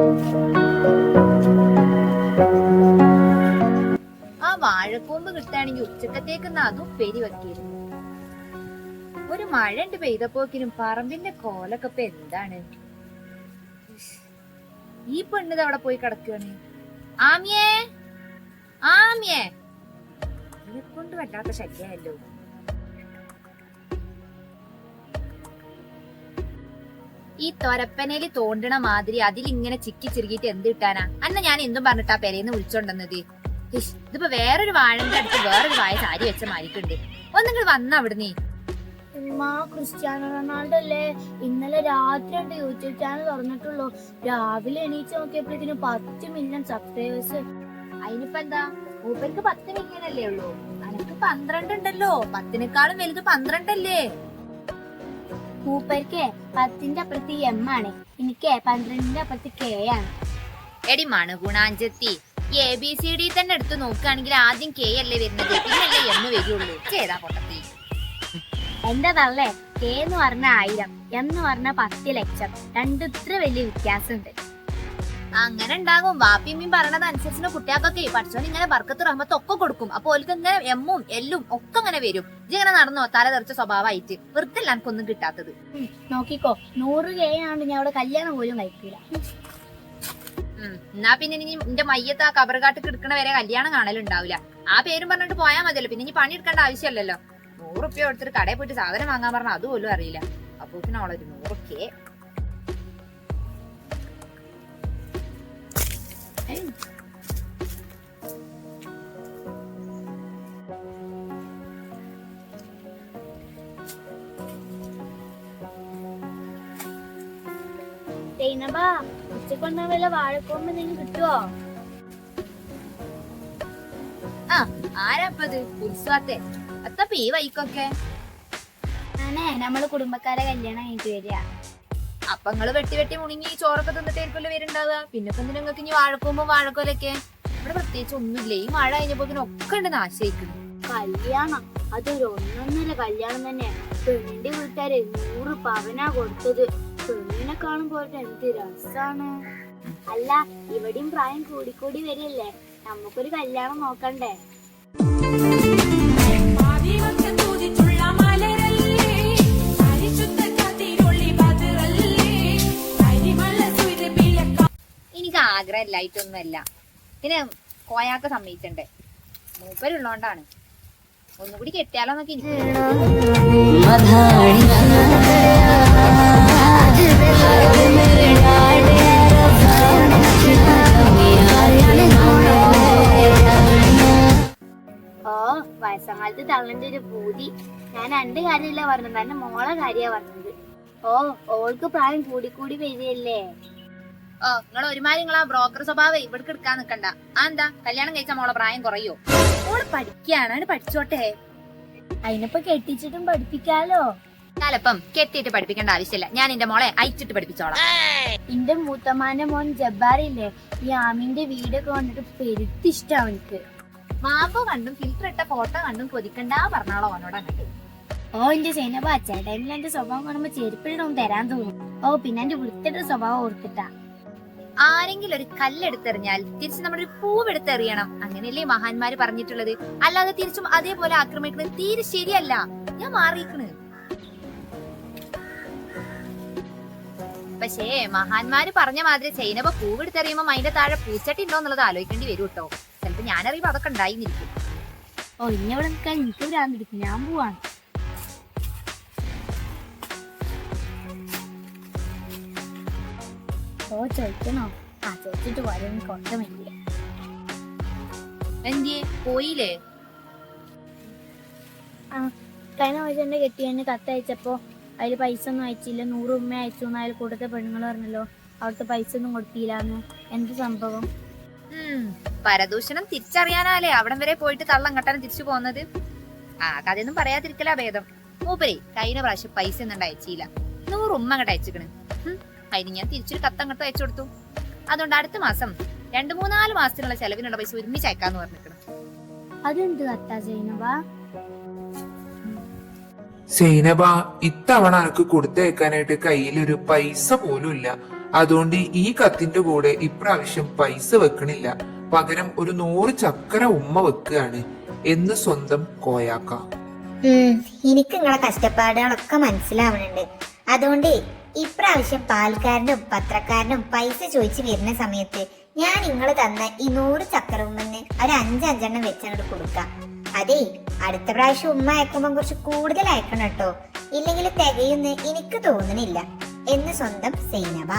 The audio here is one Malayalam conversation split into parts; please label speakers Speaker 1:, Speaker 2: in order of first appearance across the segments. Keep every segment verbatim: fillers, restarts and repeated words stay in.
Speaker 1: ആ വാഴക്കൂമ്പ് കിട്ടുകയാണെങ്കിൽ ഉച്ചക്കത്തേക്ക് അതും ഉപ്പേരി വെക്കിയിരുന്നു. ഒരു മഴ ഉണ്ട് പെയ്തപ്പോക്കിനും പറമ്പിന്റെ കോലൊക്കെ ഇപ്പൊ എന്താണ്. ഈ പെണ്ണിത് അവിടെ പോയി കിടക്കുകയാണ്. ആമിയേ ആമിയേ ഇതിനെ കൊണ്ട് വല്ലാത്ത ശല്യമല്ലോ. ഈ തൊരപ്പനയില് തോണ്ടണ മാതിരി അതിലിങ്ങനെ ചിക്കി ചിറുകിട്ട് എന്ത് കിട്ടാനാ? അന്ന് ഞാൻ എന്തും പറഞ്ഞിട്ടാ പെരേന്ന് വിളിച്ചോണ്ടെന്നത്. ഇതിപ്പോ വേറൊരു വാഴന്റെ അടുത്ത് വേറൊരു വായ സാരി വെച്ച മാരിക്കുണ്ട്. ഒന്നിങ്ങൾ വന്ന അവിടുന്ന്.
Speaker 2: ക്രിസ്ത്യാനോ റൊണാൾഡോ അല്ലേ? ഇന്നലെ രാത്രി ഉണ്ട് യൂട്യൂബ് ചാനൽ തുറന്നിട്ടുള്ളൂ. രാവിലെ എണീച്ച് നോക്കിയപ്പോഴത്തേന് പത്ത് മില്യൺ സബ്സ്ക്രൈബേഴ്സ്.
Speaker 1: അതിനിപ്പോ എന്താ, മൂപ്പർക്ക് പത്ത് മില്യൺ അല്ലേ ഉള്ളൂ, അനക്ക് പന്ത്രണ്ട് ഉണ്ടല്ലോ. പത്തിനേക്കാളും വലുത് പന്ത്രണ്ടല്ലേ?
Speaker 2: മൂപ്പർക്ക് പത്തിന്റെ അപ്പുറത്ത് എം ആണ്, എനിക്ക് പന്ത്രണ്ടിന്റെ അപ്പുറത്ത് കെ ആണ്.
Speaker 1: എടി മണുഗുണാഞ്ചത്തി, എ ബി സി ഡി തന്നെ എടുത്ത് നോക്കുകയാണെങ്കിൽ ആദ്യം കെ അല്ലേ വരുന്നത്, പിന്നല്ലേ എം വരുള്ളൂ. ചെയ്താ പൊട്ടത്തി.
Speaker 2: എന്താ തള്ളേ, കെ എന്ന് പറഞ്ഞ ആയിരം, എന്ന് പറഞ്ഞ പത്ത് ലക്ഷം, രണ്ടു ഇത്ര വലിയ വ്യത്യാസമുണ്ട്.
Speaker 1: അങ്ങനെ ഉണ്ടാകും. വാപ്പിയമ്മയും പറയണത് അനുസരിച്ച് കുട്ടികൾക്കൊക്കെ പഠിച്ചോണ്ട് ഇങ്ങനെ ബർക്കത്ത് റഹ്മത്ത് ഒക്കെ കൊടുക്കും. അപ്പൊ ഓൽക്ക് ഇങ്ങനെ എമ്മും എല്ലും ഒക്കെ അങ്ങനെ വരും. ഇങ്ങനെ നടന്നോ തല തെറിച്ച സ്വഭാവമായിട്ട് വെറുതെ എനിക്കൊന്നും കിട്ടാത്തത്.
Speaker 2: നോക്കിക്കോ, നൂറ് കെ ആണ് ഞാൻ അവിടെ കല്യാണം പോലും കഴിക്കില്ല.
Speaker 1: ഉം എന്നാ പിന്നെ ഇനി എന്റെ മയ്യത്ത് ആ കബറുകാട്ട് കിടക്കണ വരെ കല്യാണം കാണലുണ്ടാവില്ല. ആ പേരും പറഞ്ഞിട്ട് പോയാൽ മതിയല്ലോ. പിന്നെ ഇനി പണി എടുക്കേണ്ട ആവശ്യമല്ലല്ലോ. നൂറുപ്യ എടുത്തിട്ട് കടയിൽ പോയിട്ട് സാധനം വാങ്ങാൻ പറഞ്ഞാൽ അതുപോലും അറിയില്ല. അപ്പൊ അവളൊരു നൂറൊക്കെ
Speaker 2: ഉച്ചക്കൊണ്ടാ വല്ല വാഴക്കൊമ്പ് എന്തെങ്കിലും കിട്ടുവോ?
Speaker 1: ആ ആരാപ്പത് ഉത്സവത്തെ അത്തപ്പ ഈ വൈക്കൊക്കെ
Speaker 2: ആണേ നമ്മള് കുടുംബക്കാരെ കല്യാണം കഴിഞ്ഞിട്ട് വരിക.
Speaker 1: അപ്പൊ നിങ്ങള് വെട്ടി വെട്ടി മുണങ്ങി ചോറൊക്കെ തിന്നിട്ടായിരിക്കുമല്ലോ വരുന്നുണ്ടാവുക. പിന്നെ ഇപ്പൊ നിങ്ങൾക്ക് ഇനി വാഴക്കൊമ്പോ വാഴക്കോലൊക്കെ ഇവിടെ പ്രത്യേകിച്ച് ഒന്നുമില്ല. ഈ മഴ കഴിഞ്ഞപ്പോ ഒക്കെ ഉണ്ട് നാശിക്കുന്നു.
Speaker 2: കല്യാണം അതൊരു ഒന്നൊന്നര കല്യാണം തന്നെ. പെണ്ണിന്റെ വീട്ടുകാരെ നൂറ് പവനാ കൊടുത്തത്. പെണ്ണിനെ കാണുമ്പോൾ എന്ത് രസാണ്. അല്ല, ഇവിടെയും പ്രായം കൂടിക്കൂടി വരില്ലേ, നമുക്കൊരു കല്യാണം നോക്കണ്ടേ?
Speaker 1: എനിക്ക് ആഗ്രഹം ഇല്ലായിട്ടൊന്നുമല്ല, പിന്നെ കോയാക്ക സമ്മതിച്ചണ്ടേ, മൂപ്പരുള്ളോണ്ടാണ്. ഒന്നുകൂടി കെട്ടിയാലോന്നൊക്കെ എനിക്ക്.
Speaker 2: ഓ വയസ്സങ്കാലത്ത് തള്ളന്റെ ഒരു പൂതി. ഞാൻ രണ്ട് കാര്യമില്ല പറഞ്ഞത്, എന്റെ മോളെ കാര്യാ പറഞ്ഞത്. ഓ ഓൾക്ക് പ്രായം കൂടിക്കൂടി വരികയല്ലേ.
Speaker 1: ഓ നിങ്ങൾ ഒരുമാതിരി നിങ്ങളാ ബ്രോക്കർ സ്വഭാവം ഇവിടേക്ക് എടുക്കാൻ നിക്കണ്ട. ആ എന്താ കല്യാണം കഴിച്ച മോളെ പ്രായം കുറയോ? മോള് പഠിക്കാണ്, പഠിച്ചോട്ടെ.
Speaker 2: അതിനിപ്പോ കെട്ടിച്ചിട്ടും പഠിപ്പിക്കാലോ.
Speaker 1: കാലപ്പം കെട്ടിയിട്ട് പഠിപ്പിക്കേണ്ട ആവശ്യമില്ല. ഞാൻ എന്റെ മോളെ അയച്ചിട്ട് പഠിപ്പിച്ചോളാം.
Speaker 2: എന്റെ മൂത്തമ്മാന്റെ മോൻ ജബ്ബാറില്ലേ, ഈ ആമിന്റെ വീടൊക്കെ കണ്ടിട്ട് പെരുത്തിഷ്ടാ അവനിക്ക്.
Speaker 1: മാപ്പോ കണ്ടും ഫിൽറ്റർ ഇട്ട ഫോട്ടോ കണ്ടും കൊതിക്കണ്ടാ പറഞ്ഞാളോ അവനോട് അങ്ങോട്ട്.
Speaker 2: ഓ എന്റെ സൈനബ, ചേട്ടനിൽ എന്റെ സ്വഭാവം കാണുമ്പോ ചെരുപ്പിടണം തരാൻ തോന്നും. ഓ പിന്നെ എന്റെ വൃത്തിയുടെ സ്വഭാവം ഓർത്തിട്ടാ.
Speaker 1: ആരെങ്കിലും ഒരു കല്ലെടുത്തെറിഞ്ഞാൽ തിരിച്ച് നമ്മളൊരു പൂവെടുത്തെറിയണം. അങ്ങനെയല്ലേ മഹാന്മാര് പറഞ്ഞിട്ടുള്ളത്. അല്ലാതെ തിരിച്ചും അതേപോലെ ആക്രമിക്കുന്നത് തീരെ ശരിയല്ല. ഞാൻ മാറിയിക്കണ്. പക്ഷേ മഹാന്മാര് പറഞ്ഞ മാതിരി ചൈനപ്പ പൂവെടുത്തെറിയുമ്പോ അതിന്റെ താഴെ പൂച്ചട്ടി ഉണ്ടോ എന്നുള്ളത് ആലോചിക്കേണ്ടി വരും കേട്ടോ. ചിലപ്പോ ഞാനറിയുമ്പോ അതൊക്കെ ഉണ്ടായിരിക്കും.
Speaker 2: ഓ ഇന്നെ ഇവിടെ നിൽക്കാൻ എനിക്ക് ഭ്രാന്തെടുക്കും. ഞാൻ പോവാണ്. ഓ ചോദിക്കണോ? ആ ചോദിച്ചിട്ട് വരും, കൊണ്ടമില്ല.
Speaker 1: എന്തിയെ പോയില്ലേ?
Speaker 2: ആ കഴിഞ്ഞ ആഴ്ച എന്റെ കെട്ടിയതിന് കത്തയച്ചപ്പോ അതില് പൈസ ഒന്നും അയച്ചില്ല. നൂറ് ഉമ്മ അയച്ചു എന്ന് അതിൽ കൂടുതൽ പെണ്ണുങ്ങൾ പറഞ്ഞല്ലോ, അവിടുത്തെ പൈസ ഒന്നും കൊടുത്തില്ലാന്ന്. എന്ത് സംഭവം?
Speaker 1: ഉം പരദൂഷണം തിരിച്ചറിയാനാലേ അവിടം വരെ പോയിട്ട് കള്ളം കട്ടാനും തിരിച്ചു പോകുന്നത്. ആ കഥയൊന്നും പറയാതിരിക്കലാ ഭേദം. മൂപ്പരേ കഴിഞ്ഞ പ്രാവശ്യം പൈസ ഒന്നും അയച്ചില്ല, നൂറ് ഉമ്മ അങ്ങോട്ട് അയച്ചിക്കണ്. അതിന് ഞാൻ തിരിച്ചൊരു കത്തങ്ങോട്ട് അയച്ചു കൊടുത്തു. അതുകൊണ്ട് അടുത്ത മാസം രണ്ടു മൂന്നാല് മാസത്തിനുള്ള ചെലവിനുള്ള പൈസ ഒരുമിച്ച് അയക്കാന്ന് പറഞ്ഞിരിക്കണം.
Speaker 2: അതെന്ത് കത്താ സൈനബ?
Speaker 3: സൈനബ, ഇത്തവണ എനക്ക് കൊടുത്തയക്കാനായിട്ട് കയ്യിലൊരു പൈസ പോലും ഇല്ല. അതുകൊണ്ട് ഈ കത്തിന്റെ കൂടെ ഇപ്രാവശ്യം പൈസ വെക്കണില്ല. പകരം ഒരു നൂറ് ചക്കര ഉമ്മ വെക്കുകയാണ് എന്ന് സ്വന്തം കോയാക്ക.
Speaker 4: ഉം എനിക്ക് നിങ്ങളെ കഷ്ടപ്പാടുകളൊക്കെ മനസ്സിലാവണുണ്ട്. അതുകൊണ്ട് ഇപ്രാവശ്യം പാൽക്കാരനും പത്രക്കാരനും പൈസ ചോദിച്ചു വരുന്ന സമയത്ത് ഞാൻ നിങ്ങൾ തന്ന ഈ നൂറ് ചക്കര ഉമ്മന്ന് ഒരു അഞ്ചഞ്ചെണ്ണം വെച്ചങ്ങോട്ട് കൊടുക്കാം. അതേ, അടുത്ത പ്രാവശ്യം ഉമ്മ അയക്കുമ്പോ കുറച്ച് കൂടുതൽ അയക്കണം കേട്ടോ, ഇല്ലെങ്കിൽ തികയുന്ന് എനിക്ക് തോന്നണില്ല എന്ന് സ്വന്തം സൈനബ.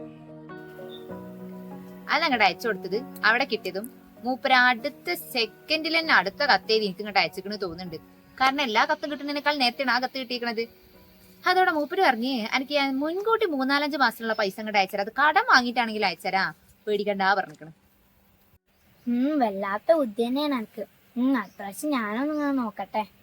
Speaker 1: അതങ്ങോട്ട് അയച്ചു കൊടുത്തത് അവിടെ കിട്ടിയതും മൂപ്പര അടുത്ത സെക്കൻഡിൽ തന്നെ അടുത്ത കത്തേത് എനിക്ക് ഇങ്ങോട്ട് അയച്ചിക്കണ് തോന്നുന്നുണ്ട്. കാരണം എല്ലാ കത്തും കിട്ടുന്നതിനേക്കാൾ നേരത്തെയാണ് ആ കത്ത് കിട്ടിയിരിക്കണത്. അതോടെ മൂപ്പര് പറഞ്ഞ് എനിക്ക് ഞാൻ മുൻകൂട്ടി മൂന്നാലഞ്ച് മാസത്തിനുള്ള പൈസ ഇങ്ങോട്ട് അയച്ചരാ, അത് കടം വാങ്ങിയിട്ടാണെങ്കിൽ അയച്ചരാ, പേടിക്കണ്ടാ പറഞ്ഞിരിക്കണം.
Speaker 2: ഉം വല്ലാത്ത ബുദ്ധി തന്നെയാണ് എനിക്ക്. ഉം അത്യാവശ്യം ഞാനൊന്നും നോക്കട്ടെ.